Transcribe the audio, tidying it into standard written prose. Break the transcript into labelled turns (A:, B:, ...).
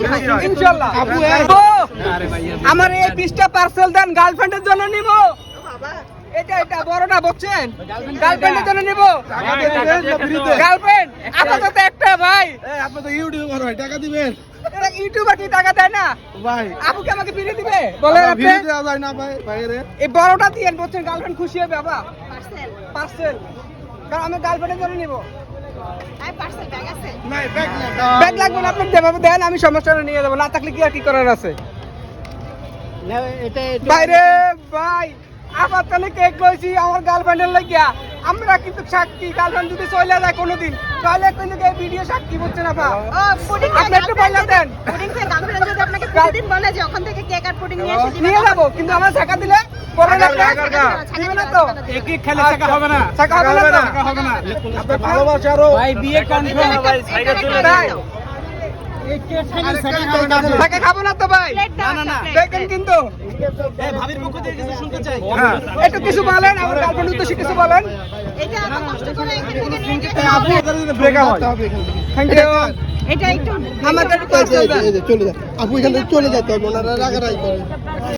A: ইনশাআল্লাহ আমার এই 20টা পার্সেল দেন গার্লফ্রেন্ডের জন্য নিব এটা বড়টা বুঝছেন গার্লফ্রেন্ডের জন্য নিব গার্লফ্রেন্ড আপাতত একটা ভাই
B: আপনি তো ইউটিউবার ভাই টাকা দিবেন
A: এরা ইউটিউবার কি টাকা দেয় না
B: ভাই
A: আপুকে আমাকে ফিরে দিবে বলেন আপনি
B: ভিডিও দেওয়া যায় না ভাই বাইরে
A: এই বড়টা দিয়েন বুঝছেন গার্লফ্রেন্ড খুশি হবে বাবা পার্সেল কারণ আমি গার্লফ্রেন্ডের জন্য নিব
B: নাই ব্যাগ না
A: ব্যাগ লাগবে না আপনি দেবেন দেন আমি সমস্যাটা নিয়ে যাবো না থাকলে কি আর কি করার আছে বাইরে ভাই আবার তাহলে কেক লইছি আমার গার্লফ্রেন্ডের লাগিয়া আমরা কিন্তু সাক্ষী গার্লফ্রেন্ড যদি চলে যায় কোনোদিন তাহলে কিন্তু এই ভিডিও সাক্ষী বুঝছেন আপা আপনি একটু বলে দেন নিয়ে যাবো কিন্তু আমার টাকা দিলে পরে না দিবে না তো
B: একই খেলে টাকা হবে না
A: টাকা হবে না
B: টাকা হবে না আপনার ভালোবাসারও ভাই বিয়ে কনফার্ম ভাই সাইকেল চলে যাও
A: টাকা খাবো না তো ভাই না দেখেন কিন্তু
B: ভাবির পক্ষ থেকে কিছু শুনতে চাই
A: একটু কিছু বলেন আমার গার্লফ্রেন্ড উদ্দেশ্যে কিছু বলেন
B: আপনি এখানে ব্রেকআপ হয়
A: থ্যাংক ইউ
C: এটা একটু
A: আমাকে একটু পার্সেল দেন
B: চলে যা আপু এখান থেকে চলে যেতে হবে ওনারা রাগারাগি করে